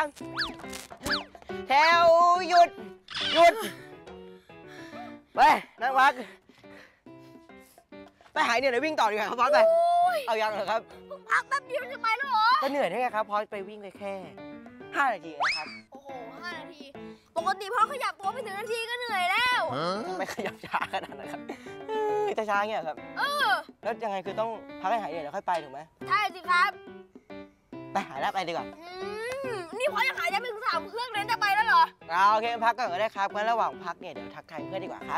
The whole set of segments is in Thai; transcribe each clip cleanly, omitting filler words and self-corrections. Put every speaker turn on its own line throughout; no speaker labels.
แถวหยุดไปนั่งพักไปหายเหนื่อยวิ่งต่อดีกว่าครับพอสไปเอายังเหรอครับ
พักแป๊บเดียวจะไปแล้วเหรอ
ก็เหนื่อยได้ไงครับพอสไปวิ่งเลยแค่5 นาทีนะครับ
โอ้โห5 นาทีปกติพอขยับตัวไม่ถึงนาทีก็เหนื่อยแล้ว
ทำไมขยับช้าขนาดนั้นครับจะช้าเงี้ยครับแล้วยังไงคือต้องพักให้หายเหนื่อยแล้วค่อยไปถูกไหม
ใช่สิครับ
ไปหาแล้วไปดีกว่า
นี่พอยังหายใจไม่ถึง3 เครื่องเลยจะไปแล้วเหรอ
โอเคพักก่อนก็ได้ครับงั้นระหว่างพักเนี่ยเดี๋ยวทักทายเพื่อนดีกว่าครับ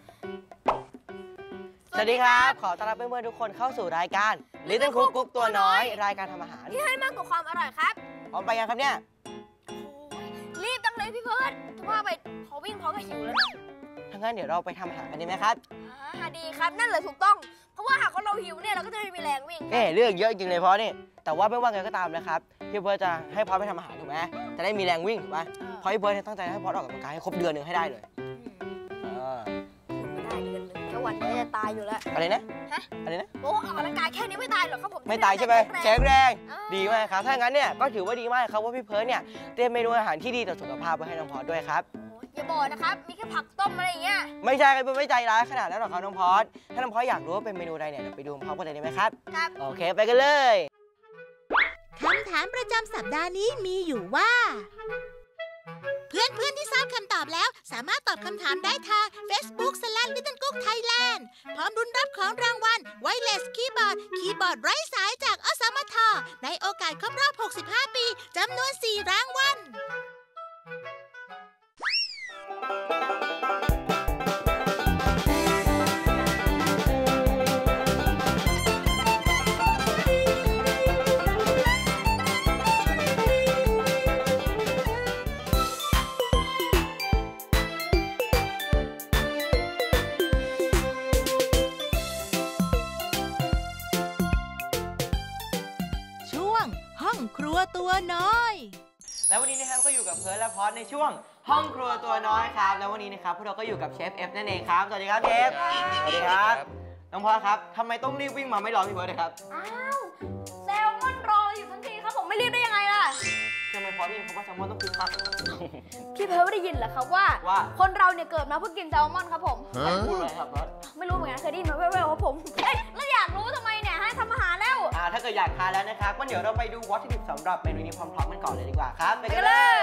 สวัสดีครับขอต้อนรับเพื่อนๆทุกคนเข้าสู่รายการ Little Cook กุ๊กตัวน้อยรายการทำอาหาร
ที่ให้มากกว่าความอร่อยครับ
พร้อมไปยังครับเนี่ย
รีบจังเลยพี่เพิร์ดถือว่าไปพอวิ่งพอก็หิวแล้วนะ
ถ้างั้นเดี๋ยวเราไปทำอาหารกันดีไหมครับ
ดีครับนั่นเลยถูกต้องเพราะว่าหากเราหิวเนี่ยเราก็จะไม่มีแรงวิ่ง
เรื่องเยอะจริงเลยพอนี่แต่ว่าไม่ว่าไงก็ตามนะครับพี่เพิร์ดจะให้พอไปทำอาหารถูกไหมจะได้มีแรงวิ่งถูกไหมเพราะพี่เพิร์ดตั้งใจให้พอออกกำลังกายให้ครบเดือนหนึ่งให้ได้เลย
ไม่ได้เดือนนึงแค่วันนี้จะตายอยู่แล้ว
อะไรนะอะไรนะ
โอ้ออกกำลังกายแค่นี้ไม่ตายหรอกครับผม
ไม่ตายใช่ไหมแข็งแรงดีมากครับถ้างั้นเนี่ยก็ถือว่าดีมากครับว่าพี่เพิร์ดเนี่ยเตรียมเมนูอาหารที่ดีต่อสุขภาพไว้ให้น้องพอสด้วยครับ
อย่าบอกนะครับมีแค่ผักต้มอะไรอย่างเงี้ย
ไม่ใช่ครับไม่ใจร้ายขนาดนั้นหรอกครับน้องพอสถ้าน้องพอสอยากรู้ว่าเป็นเมนูใดเนี่ยไปดูพร้อมกันเลยได้ไหมครับ
ครับ
โอเคไปกันเลย
คำถามประจำสัปดาห์นี้มีอยู่ว่าเพื่อนๆที่ทราบคำตอบแล้วสามารถตอบคำถามได้ทาง Facebook/Little Cook Thailand พร้อมรุ้นรับของรางวัล Wireless Keyboard ไร้สายจากอสมทในโอกาสครบรอบ65 ปีจำนวน4 รางวัลห้องครัวตัวน้อย
แล้ววันนี้นะครับก็อยู่กับเพิร์ลและพอสในช่วงห้องครัวตัวน้อยครับแล้ววันนี้นะครับพวกเราก็อยู่กับเชฟเอฟนั่นเองครับสวัสดีครับเชฟสวัสดีครับน้องพอสครับทำไมต้องรีบวิ่งมาไม่รอพี่เพิร์ลเลยครับ
อ้าวแซลมอนรออยู่ทั้งทีครับผมไม่รีบได้ยังไงล่ะ
ทำไมพอสได้ยินคำว่าแซลมอนต้องคึกคัก
พี่เพิร์ลไม่ได้ยินเหรอครับว่าคนเราเนี่ยเกิดมาเพื่อกินแซลมอนครับผม
พูดอะไรครับพอส
ไม่รู้เหมือนกันเคยได้ยินมาแว่วๆครับผมแล้วอยากรู้ทำไมเนี่ยให้ทำอาหารแล้ว
ถ้าเกิดอยากทานแล้วนะครับก็เดี๋ยวเราไปดูวัตถุดิบสำหรับเมนูนี้พร้อมๆกันก่อนเลยดีกว่าครับไปกันเลย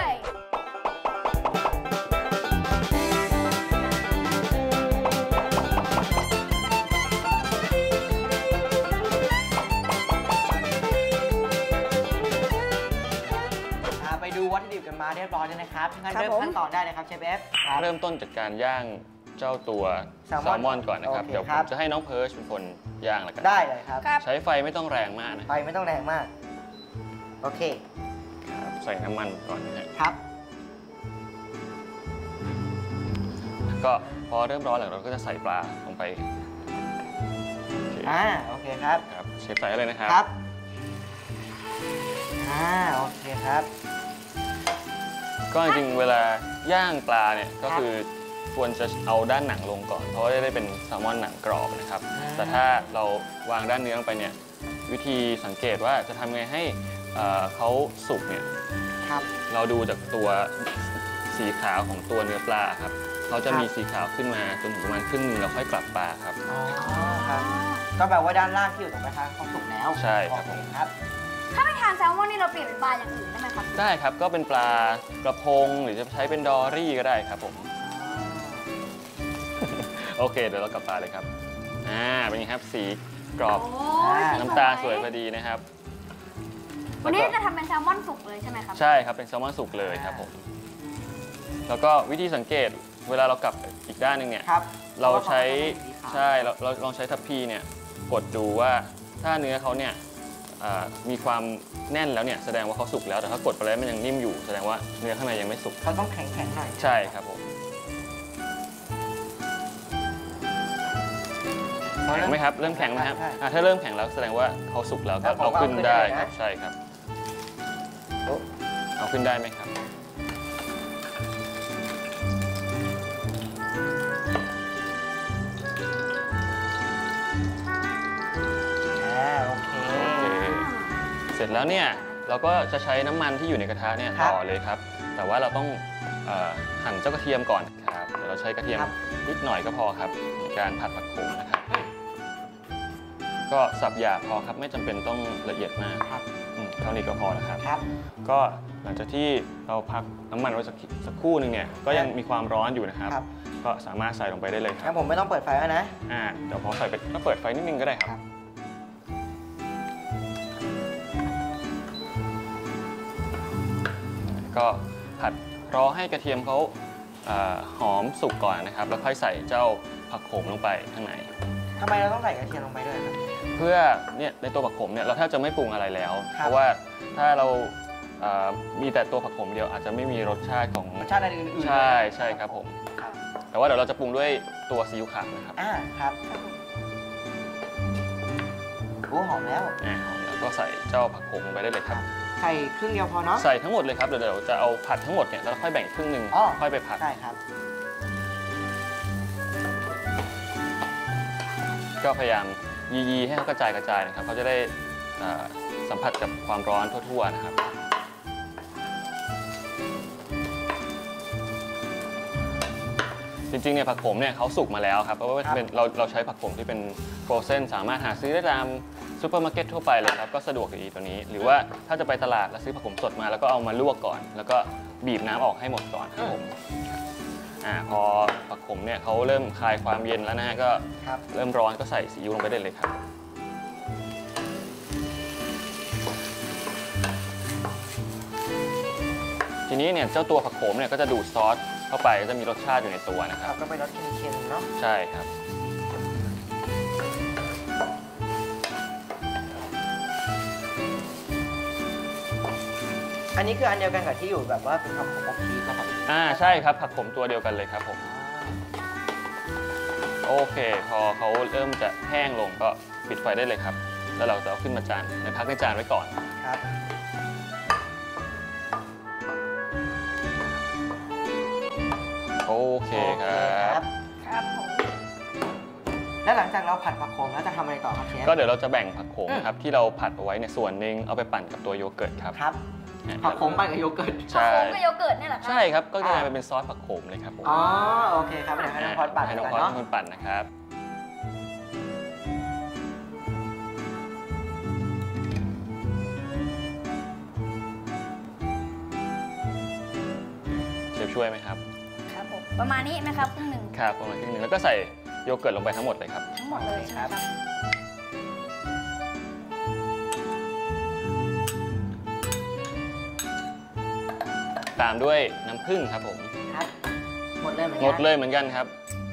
ไปดูวัตถุดิบกันมาเรียบร้อยแล้วนะครับงั้นเริ่มขั้นตอนได้เลยครับเชฟเอฟ
เริ่มต้นจากการย่างเจ้าตัวแซลมอนก่อนนะครับเดี๋ยวผมจะให้น้องเพิร์ชเป็นคนย่างแล้วกัน
ได้เลยครับ
ใช้ไฟไม่ต้องแรงมากนะ
ไฟไม่ต้องแรงมากโอเค
ครับใส่น้ำมันก่อน
นะครับ
ก็พอเริ่มร้อนแล้วเราก็จะใส่ปลาลงไป
โอเคครับ
เชฟใส่เลยนะครับ
ครับโอเคครับ
ก็จริงๆเวลาย่างปลาเนี่ยก็คือควรจะเอาด้านหนังลงก่อนเพราะว่าได้เป็นแซลมอนหนังกรอบนะครับแต่ถ้าเราวางด้านเนื้อลงไปเนี่ยวิธีสังเกตว่าจะทำไงให้เขาสุกเนี่ยเราดูจากตัวสีขาวของตัวเนื้อปลาครับเขาจะมีสีขาวขึ้นมาจนถึงประมาณครึ่งนึงแล้วค่อยกลับปลาครับ
ครับก็แปลว่าด้านล่างที่อยู่ตรงกระทะเขาสุกแล้ว
ใช่ครับผม
ครับ
ถ้าไม่ทานแซลมอนนี่เราเปลี่ยนเป็นปลาอย่างอื่นได้ไหมครับ
ได้ครับก็เป็นปลากระพงหรือจะใช้เป็นดอรี่ก็ได้ครับผมโอเคเดี๋ยวเรากลับปลาเลยครับเป็นไงครับสีกรอบน้ำตาสวยพอดีนะครับ
วันนี้จะทำเป็นแซลมอนสุกเลยใช่ไหมครับ
ใช่ครับเป็นแซลมอนสุกเลยครับผมแล้วก็วิธีสังเกตเวลาเรากลับอีกด้านหนึ่งเนี่ยเราใช้เราลองใช้ทัพพีเนี่ยกดดูว่าถ้าเนื้อเขาเนี่ยมีความแน่นแล้วเนี่ยแสดงว่าเขาสุกแล้วแต่ถ้ากดไปแล้วมันยังนิ่มอยู่แสดงว่าเนื้อข้างในยังไม่สุก
เขาต้องแข็งๆหน่อย
ใช่ครับผมแข็งไหมครับเริ่มแข็งไหมครับถ้าเริ่มแข็งแล้วแสดงว่าเขาสุกแล้วก็เอาขึ้นได้ครับใช่ครับเอาขึ้นได้ไหมครับเสร็จแล้วเนี่ยเราก็จะใช้น้ำมันที่อยู่ในกระทะเนี่ยต่อเลยครับแต่ว่าเราต้องหั่นเจ้ากระเทียมก่อนครับเราใช้กระเทียมนิดหน่อยก็พอครับในการผัดผักโขมนะครับก็สับหยาบพอครับไม่จำเป็นต้องละเอียดมากเท่านี้ก็พอแล้วครับก็หลังจากที่เราพักน้ำมันไว้สักครู่หนึ่งเนี่ยก็ยังมีความร้อนอยู่นะครับก็สามารถใส่ลงไปได้เลยครับ
ผมไม่ต้องเปิดไฟแล้วนะ
เดี๋ยวพอใส่ไปก็เปิดไฟนิดนึงก็ได้ครับก็ผัดรอให้กระเทียมเขาหอมสุกก่อนนะครับแล้วค่อยใส่เจ้าผักโขมลงไปข้างใน
ทำไมเราต้องใส่กระเทียมลงไปด้วยครับ
เพื่อเนี่ยในตัวผักโขมเนี่ยเราแทบจะไม่ปรุงอะไรแล้วเพราะว่าถ้าเรามีแต่ตัวผักโขมเดียวอาจจะไม่มีรสชาติของ
รสชาติอื่น
ๆใช่ครับผมแต่ว่าเดี๋ยวเราจะปรุงด้วยตัวซีอิ๊วขาวนะครับ
ครับโอ้หอมแล้ว
หอมแล้วก็ใส่เจ้าผักโขมลงไปได้เลยครับ
ใส่ครึ่งเดียวพอเนาะ
ใส่ทั้งหมดเลยครับเดี๋ยวจะเอาผัดทั้งหมดเนี่ยแล้วค่อยแบ่งครึ่งหนึ่งค่อยไปผัด
ได้ครับ
ก็พยายามยีให้เขากระจายนะครับเขาจะได้สัมผัสกับความร้อนทั่วๆนะครับจริงๆเนี่ยผักโขมเนี่ยเขาสุกมาแล้วครับเพราะว่าเราใช้ผักโขมที่เป็นโฟรเซนสามารถหาซื้อได้ตามซูเปอร์มาร์เก็ตทั่วไปเลยครับก็สะดวกดีตัวนี้หรือว่าถ้าจะไปตลาดแล้วซื้อผักโขมสดมาแล้วก็เอามาลวกก่อนแล้วก็บีบน้ำออกให้หมดก่อนครับผมพอผักโขมเนี่ยเขาเริ่มคลายความเย็นแล้วนะฮะก็เริ่มร้อนก็ใส่ซีอิ๊วลงไปได้เลยครับทีนี้เนี่ยเจ้าตัวผักโขมเนี่ยก็จะดูดซอสเข้าไปก็จะมีรสชาติอยู่ในตัวนะครับ
ก็เป็นรสเค็มๆเนาะ
ใช่ครับ
อันนี้คืออันเดียวกันกับที่อยู่แบบว่าเป็นผักโขมอบชีสนะครับ
ใช่ครับผักโขมตัวเดียวกันเลยครับผมโอเคพอเขาเริ่มจะแห้งลงก็ปิดไฟได้เลยครับแล้วเราจะเอาขึ้นมาพักในจานไว้ก่อน
ครับ
โอเคครับ
ครับผม
แล้วหลังจากเราผัดผักโขมแล้วจะทำอะไรต่อครับเชฟ
ก็เดี๋ยวเราจะแบ่งผักโขมครับที่เราผัดเอาไว้ในส่วนหนึ่งเอาไปปั่นกับตัวโยเกิร์ตครับ
ผักโขมปั่นกับโยเกิร์ต
ผักโขมกับโยเกิร์ตนี่แหละครับ
ใช่ครับก็จะกลายเป็นซอสผักโขมเลยครับผม
โอเคครับเดี๋ยวให้น้องพอดปั่น
ให้น้องพอดเป็นคนปั่นนะครับเชฟช่วยไหมครับ
ครับผมประมาณนี้นะครับครึ่งหนึ่ง
ครับประมาณครึ่งหนึ่งแล้วก็ใส่โยเกิร์ตลงไปทั้งหมดเลยครับ
ทั้งหมดเลยครับ
ตามด้วยน้ำผึ้งครับผม
ครับหมดเลยเห
มือนกันครับ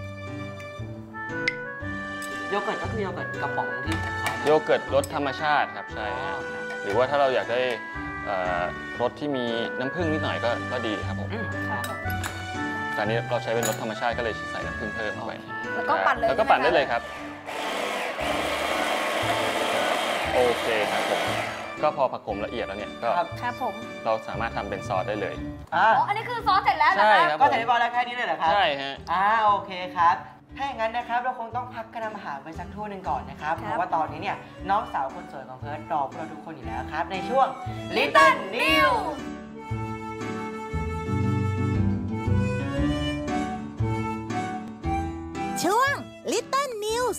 โยเกิร์ตก็คือโยเกิร์ตกระป๋องที่
โยเกิร์ตรสธรรมชาติครับใช่หรือว่าถ้าเราอยากได้รสที่มีน้ำผึ้งนิดหน่อยก็ดีครับผมแต่นี้เราใช้เป็นรสธรรมชาติก็เลยใส่น้ำผึ้งเพิ่มเข้าไป
แล้วก็ปั่น
ได้เลยครับโอเคครับผมก็พอผักโขมละเอียดแล้วเนี่ยก็
ครับผม
เราสามารถทำเป็นซอสได้เลย
อันนี้คือซอสเสร็จแล้วนะครับ
ก็เสร็จเรียบร้อยแล้วแค่นี้เลยเหรอครับ
ใช่ฮะ
โอเคครับถ้าอย่างนั้นนะครับเราคงต้องพักกระทำอาหารไปสักครู่หนึ่งก่อนนะครับเพราะว่าตอนนี้เนี่ยน้องสาวคนสวยของเพิร์ทรอพวกเราทุกคนอยู่แล้วครับในช่วง Little News
ช่วง Little News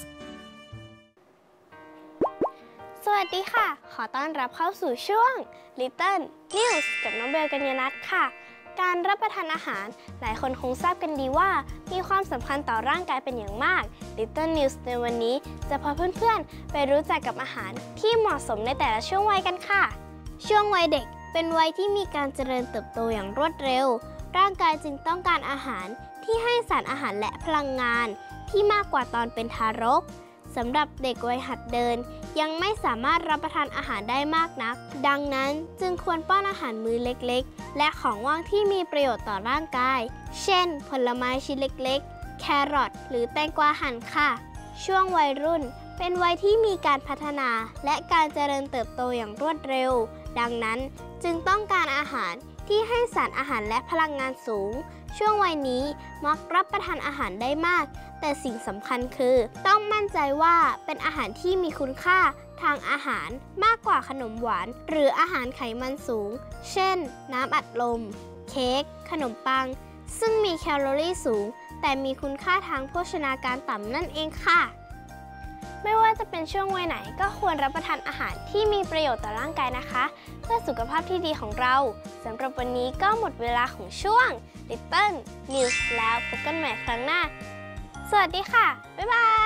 สวัสดีค่ะขอต้อนรับเข้าสู่ช่วง Little News กับน้องเบลกัญญนัทค่ะการรับประทานอาหารหลายคนคงทราบกันดีว่ามีความสำคัญต่อร่างกายเป็นอย่างมาก Little News ในวันนี้จะพาเพื่อนๆไปรู้จักกับอาหารที่เหมาะสมในแต่ละช่วงวัยกันค่ะช่วงวัยเด็กเป็นวัยที่มีการเจริญเติบโตอย่างรวดเร็วร่างกายจึงต้องการอาหารที่ให้สารอาหารและพลังงานที่มากกว่าตอนเป็นทารกสำหรับเด็กวัยหัดเดินยังไม่สามารถรับประทานอาหารได้มากนักดังนั้นจึงควรป้อนอาหารมื้อเล็กๆและของว่างที่มีประโยชน์ต่อร่างกายเช่นผลไม้ชิ้นเล็กๆแครอทหรือแตงกวาหั่นค่ะช่วงวัยรุ่นเป็นวัยที่มีการพัฒนาและการเจริญเติบโตอย่างรวดเร็วดังนั้นจึงต้องการอาหารที่ให้สารอาหารและพลังงานสูง ช่วงวัยนี้มักรับประทานอาหารได้มาก แต่สิ่งสำคัญคือต้องมั่นใจว่าเป็นอาหารที่มีคุณค่าทางอาหารมากกว่าขนมหวานหรืออาหารไขมันสูง เช่น น้ำอัดลม เค้ก ขนมปัง ซึ่งมีแคลอรี่สูง แต่มีคุณค่าทางโภชนาการต่ำนั่นเองค่ะ ไม่ว่าจะเป็นช่วงวัยไหนก็ควรรับประทานอาหารที่มีประโยชน์ต่อร่างกายนะคะ เพื่อสุขภาพที่ดีของเราสำหรับวันนี้ก็หมดเวลาของช่วง Little News แล้วพบกันใหม่ครั้งหน้า สวัสดีค่ะ บ๊ายบาย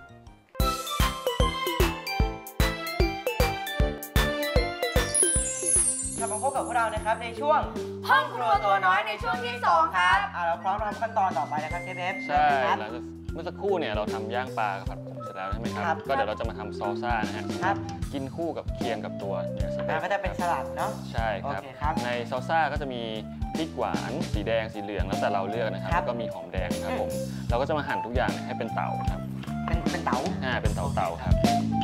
กลับมาพบกับพวกเรานะครับในช่วงห้องครัวตัวน้อยในช่วงที่ 2 ครับเราพร้อมทำขั้นตอนต่อไปนะครับเชฟเอฟ
ใช่
ครับ
หลังจากเมื่อสักครู่เนี่ยเราทำย่างปลากับผัดผงเสร็จแล้วใช่ไหมค
ครั
รับ
บ
ก็เดี๋ยวเราจะมาทำซอลซ่านะฮะ
ครับ
กินคู่กับเคียงกับตัวเนื้อสเต็ก
ก็จะเป็นสลัดเนาะ
ใช่ครับ
โอเคครับ
ในซอลซ่าก็จะมีพริกหวานสีแดงสีเหลืองแล้วแต่เราเลือกนะครับ
ครับ
แล้วก็มีหอมแดงครับผมเราก็จะมาหั่นทุกอย่างให้เป็นเต๋าครับ
เป็นเต๋า
เป็นเต๋าครับ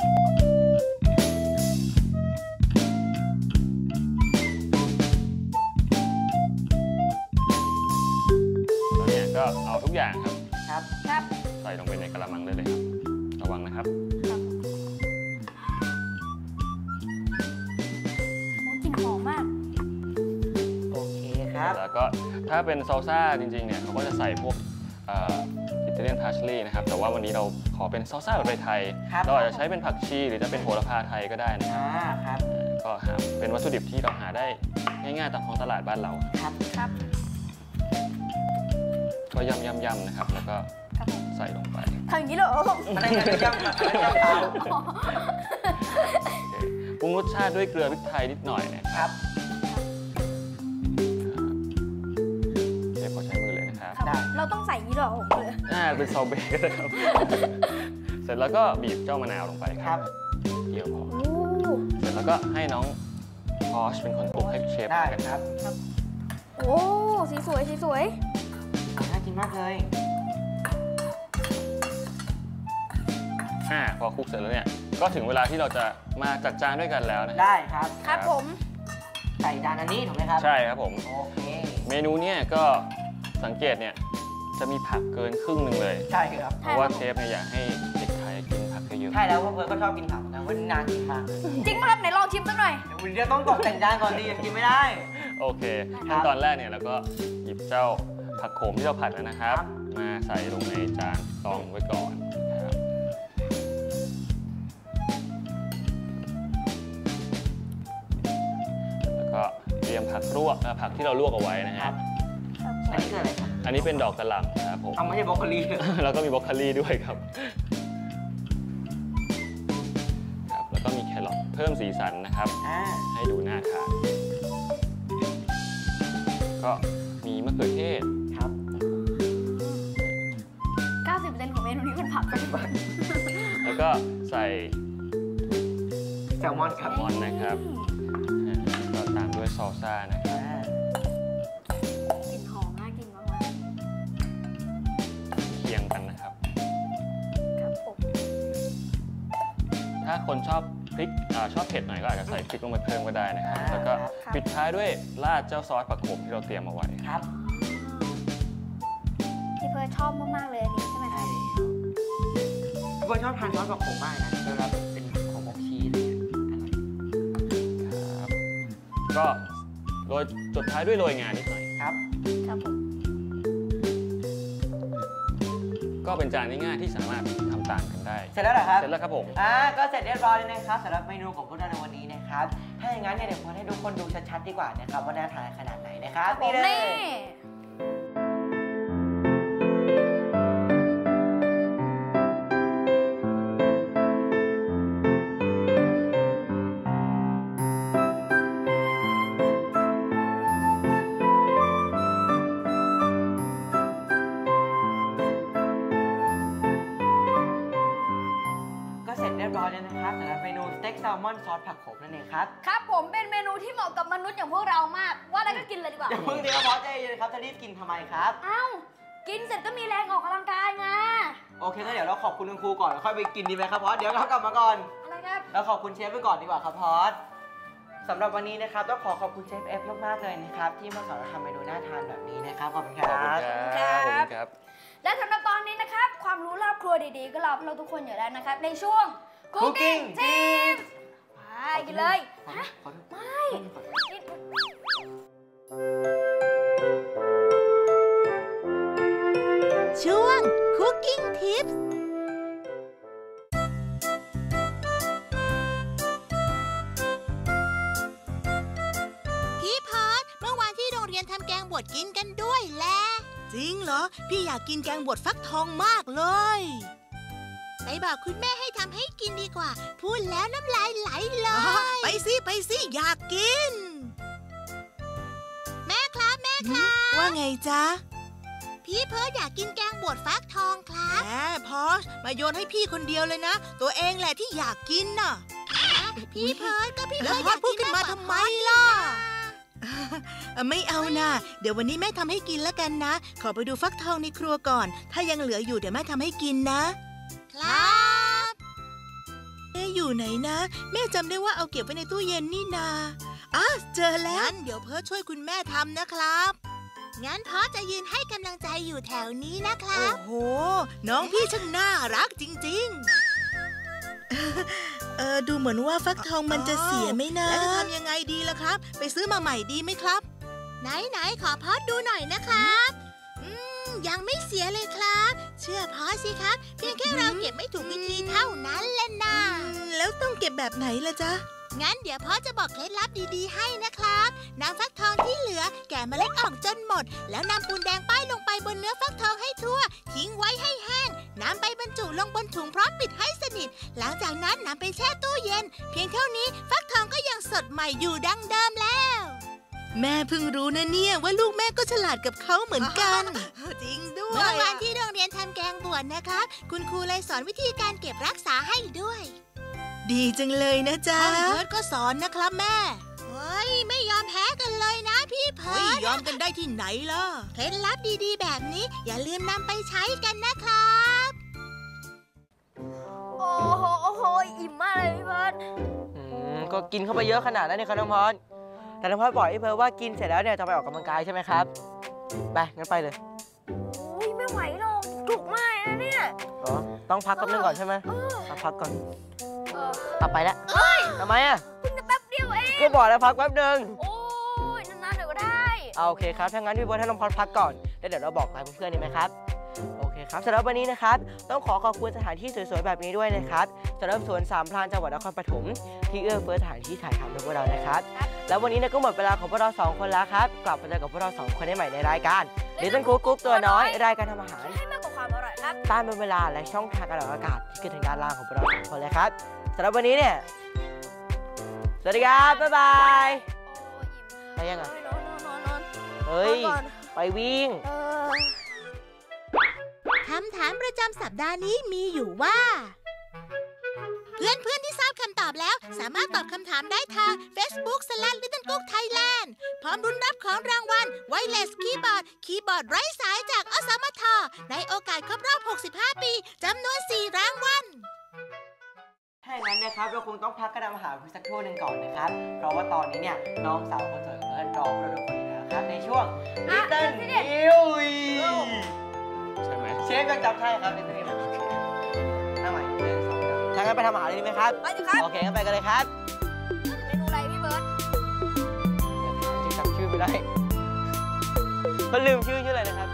แล้วเนี่ยก็เอาทุกอย่างครับ
ครับ
ครับ
ใส่ลงไปในกระมังได้เลยครับระวังนะครับ
โอ้กลิ่นหอมมาก
โอเคครับ
แล้วก็ถ้าเป็นซอลซ่าจริงๆเนี่ยเขาก็จะใส่พวกอิตาเลียนพาร์ชลีย์นะครับแต่ว่าวันนี้เราขอเป็นซอลซ่าแบบไทย
ครับ
ๆเราอาจจะใช้เป็นผักชีหรือจะเป็นโหระพาไทยก็ได้นะครับ
ครับ
ก็หาเป็นวัตถุดิบที่เราหาได้ง่ายๆตามท้องตลาดบ้านเรา
ครับ
ครับ
ก็ย่ำๆนะครับแล้วก็
ครับผม
ใส่ลงไป
ทำอย่างนี้เลยเหรอ
มันได้เงินย่ำกับย่ำเตา
ปรุงรสชาติด้วยเกลือพริกไทยนิดหน่อยนะครับ เชฟขอใช้มือเลยนะครับ
ครับเราต้องใส่อย่างนี้เหรอเลย
เป็นซอเบต์นะครับ เสร็จแล้วก็บีบเจ้ามะนาวลงไปค
ครั
รับบ เกี่ยวพอ
โอ้
เสร็จแล้วก็ให้น้องพอชเป็นคนปรุงให้เชฟ
ได้
กัน
ครับ
โอ้สีสวยสีสวย
น่ากินมากเลย
พอคลุกเสร็จแล้วเนี่ยก็ถึงเวลาที่เราจะมาจัดจานด้วยกันแล้วนะ
ได้ครับ
ครับผม
ใส่จานอันนี้ถูกไหมครับ
ใช่ครับผม
โอเค
เมนูเนี่ยก็สังเกตเนี่ยจะมีผักเกินครึ่งหนึ่งเลย
ใช่ครับ
เพราะว่าเชฟเนี่ยอยากให้เด็กไทยกินผักเยอะ
ใช่แล้วเพราะเพิร์ดก็ชอบกินผักนะวันนี้นานกินมากเลย
จริงไหมครับไหนลองชิมสักหน่อย
เดี๋ยววันนี้ต้องตกแต่งจานก่อนดียังกินไม่ได้
ๆโอเค
ครับ
ขั้นตอนแรกเนี่ยเราก็หยิบเจ้าผักโขมที่เราผัดนะครับ
ครับ
มาใส่ลงในจานรองไว้ก่อนครับแล้วก็เตรียมผักลวกผักที่เราลวกเอาไว้นะ
ค
ค
รั
รั
บบ อันนี้คืออะไรครับ
อันนี้เป็นดอกกระหล่ำครับผม
เอาไม่ใช่บรอกโคลี
แล้วก็มีบรอกโคลีด้วยครับ ครับ แล้วก็มีแครอทเพิ่มสีสันนะครับ ให้ดูน่าทาน ก็มีมะเขือเทศ
ครับ
90%ของเมนูนี้เป็นผักกันหมด
แล้วก็ใส่
แซลมอนค
แซ
รับ
ลมอนนะครับก็ตามด้วยซอลซ่านะครับ
กลิ่นหอมน่ากินมาก
เคียงกันนะครับ
ๆครับผม
ถ้าคนชอบพริกชอบเผ็ดหน่อยก็อาจจะใส่พริกลงไปเพิ่มก็ได้นะครับ แล้วก็ปิดท้ายด้วยราดเจ้าซอสผักโขมที่เราเตรียมเอาไว้
ครับ
พี่เพิร์ทชอบมากๆเลยอันนี้ใช่ไหมค
ใช่
รับ
พี่เพิร์ดชอบทานซอสผักโขมมากนะเวลาเป็นผักโขมอบชีสอะไรอย่างเงี้ยอร่อย
ครับ ก็โรยสุดท้ายด้วยโรยงานิดหน่อย
ครับ
ครับผม
ก็เป็นจานง่ายๆที่สามารถทำตามกันได้
เสร็จแล้วเหรอครับ
เสร็จแล้วครับผม
ก็เสร็จเรียบร้อยแล้วนะครับสำหรับเมนูของพวกเราในวันนี้นะครับ ถ้าอย่างนั้นเนี่ยเดี๋ยวผมให้ทุกคนดูชัดๆดีกว่านะครับว่าน่าทานขนาดไหนนะครับ
ผม
นี่เลย
นี่
ก็เสร็จเรียบร้อยแล้วนะครับสำหรับเมนูสเต็กแซลมอนซอสผักโขมนั่นเองครับ
ครับผมเป็นเมนูที่เหมาะกับมนุษย์อย่างพวกเรามาก ว่าแล้วก็กินเลยดีกว่า
อย่าเพิ่งดีครับบอสใจเย็นครับจะรีบกินทำไมครับ
เอ้า กินเสร็จก็มีแรงออกกำลังกายไง
โอเคก็เดี๋ยวเราขอบคุณคุณครูก่อนแล้วค่อยไปกินดีไหมครับพอสเดี๋ยวเรากลับมาก่อน
อะไรครับ
แล้วขอบคุณเชฟไปก่อนดีกว่าครับพอสสำหรับวันนี้นะครับต้องขอขอบคุณเชฟเอฟมากๆเลยนะครับที่มาสอนเราทำเมนูน่าทานแบบนี้นะครับขอบคุณค
ขอบ
รั
คุณ
บ
ครับ
และสำหรับตอนนี้นะครับ ความรู้รอบครัวดีๆ ก็รอพวกเราทุกคนอยู่แล้วนะครับ ในช่วง
Cooking
Tips ไปกินเลย
ขอโทษ
ไม่นี่
ช่วง Cooking Tips พี่พอดเมื่อวานที่โรงเรียนทำแกงบวชกินกันด้วยแหละจริงเหรอ พี่อยากกินแกงบวชฟักทองมากเลยไปบอกคุณแม่ให้ทำให้กินดีกว่า พูดแล้วน้ำลายไหลเลยไปสิอยากกิน แม่ครับว่าไงจ๊ะพี่เพิร์ดอยากกินแกงบวชฟักทองครับแหมพอชมาโยนให้พี่คนเดียวเลยนะตัวเองแหละที่อยากกินน่ะพี่เพิร์ดก็พี่เพิร์ดอยากพูดขึ้นมาทำไมล่ะไม่เอานะเดี๋ยววันนี้แม่ทำให้กินแล้วกันนะขอไปดูฟักทองในครัวก่อนถ้ายังเหลืออยู่เดี๋ยวแม่ทำให้กินนะครับอยู่ไหนนะแม่จำได้ว่าเอาเก็บไว้ในตู้เย็นนี่นาเจอแล้วงั้นเดี๋ยวเพิร์ดช่วยคุณแม่ทำนะครับงั้นพ่อจะยืนให้กำลังใจอยู่แถวนี้นะครับโอ้โหน้องพี่ช่างน่ารักจริงๆดูเหมือนว่าฟักทองมันจะเสียไหมนะแล้วจะทำยังไงดีล่ะครับไปซื้อมาใหม่ดีไหมครับไหนขอพ่อดูหน่อยนะครับยังไม่เสียเลยครับเชื่อพ่อสิครับเพียงแค่เราเก็บไม่ถูกวิธีเท่านั้นแหละนะแล้วต้องเก็บแบบไหนล่ะจ๊ะงั้นเดี๋ยวพ่อจะบอกเคล็ดลับดีๆให้นะครับนำฟักทองที่เหลือแกะเมล็ดออกจนหมดแล้วนำปูนแดงป้ายลงไปบนเนื้อฟักทองให้ทั่วทิ้งไว้ให้แห้งนำไปบรรจุลงบนถุงพร้อมปิดให้สนิทหลังจากนั้นนำไปแช่ตู้เย็นเพียงเท่านี้ฟักทองก็ยังสดใหม่อยู่ดังเดิมแล้วแม่เพิ่งรู้นะเนี่ยว่าลูกแม่ก็ฉลาดกับเขาเหมือนกันจริงด้วยเมื่อวานที่โรงเรียนทำแกงบวชนะครับคุณครูเลยสอนวิธีการเก็บรักษาให้ด้วยดีจังเลยนะจ๊ะเพิร์ดก็สอนนะครับแม่เฮ้ยไม่ยอมแพ้กันเลยนะพี่เพิร์ดยอมกันได้ที่ไหนล่ะเคล็ดลับดีๆแบบนี้อย่าลืมนำไปใช้กันนะครับ
โอ้โหอิ่มมากเลยพี่เพิร์ด
ก็กินเข้าไปเยอะขนาดนั้นเนี่ยครับน้องพอดแต่น้องพอดบอกให้เพิร์ดว่ากินเสร็จแล้วเนี่ยจะไปออกกำลังกายใช่ไหมครับไปงั้นไปเลย
ไม่ไหวหรอกจุกมากนะเนี่ย
ต้องพักแป๊บนึงก่อนใช่ไหมพักก่อนไปแล้วทำไม
เพิ่งจะแป๊บเดียวเอง
ก็บอกแล้วพักแป๊บนึง
โอ้ยนานๆเดี๋ยวก็ได้
โอเคครับถ้างั้นพี่เบิร์ดให้น้องพอดพักก่อนแล้วเดี๋ยวเราบอกลาเพื่อนๆดีไหมครับโอเคครับสำหรับวันนี้นะครับต้องขอบคุณสถานที่สวยๆแบบนี้ด้วยนะครับสำหรับสวนสามพรานจังหวัดนครปฐมที่เอื้อเฟื้อสถานที่ถ่ายทำให้พวกเรานะครับแล้ววันนี้ก็หมดเวลาของพวกเรา2คนแล้วครับกลับมาเจอกับพวกเรา2คนได้ใหม่ในรายการLittle Cook กุ๊กตัวน้อยรายการทำอาหาร
ให้มากกว่าความอร่อยครับ
ตามเป็นเวลาและช่องทางการออกอากาศที่ขึ้นทางด้านล่างของพวกเรา2คนเลยครับสำหรับวันนี้เนี่ยสวัสดีครับบ๊ายบายไปยัง
นอน
เฮ้ยไปวิ่ง
คำถามประจำสัปดาห์นี้มีอยู่ว่าเพื่อนๆที่ทราบคำตอบแล้วสามารถตอบคำถามได้ทาง Facebook/LittleCook_Thailand พร้อมรุ้นรับของรางวัล Wireless Keyboard คีย์บอร์ดไร้สายจากอสมทในโอกาสครบรอบ 65 ปีจำนวน 4 รางวัล
ถ้าอย่างนั้นนะครับเราคงต้องพักกันทำอาหารเพื่อสักครู่หนึ่งก่อนนะครับเพราะว่าตอนนี้เนี่ยน้องสาวคนสวยของเพื่อนรอพวกเราทุกคนอยู่แล้วครับในช่วง Little News
ใช่ไหม
เชฟยังจำได้ครับในตัวนี้โอเคทำใหม่ถ้างั้นไปทำอาหารเลยดีไหมครับ
ไปสิครับ
โอเคงั้นไปกันเลยครับ
เมนูอะไรพี่เบิร์ด
จำชื่อไม่ได้มันลืมชื่ออะไรนะครับ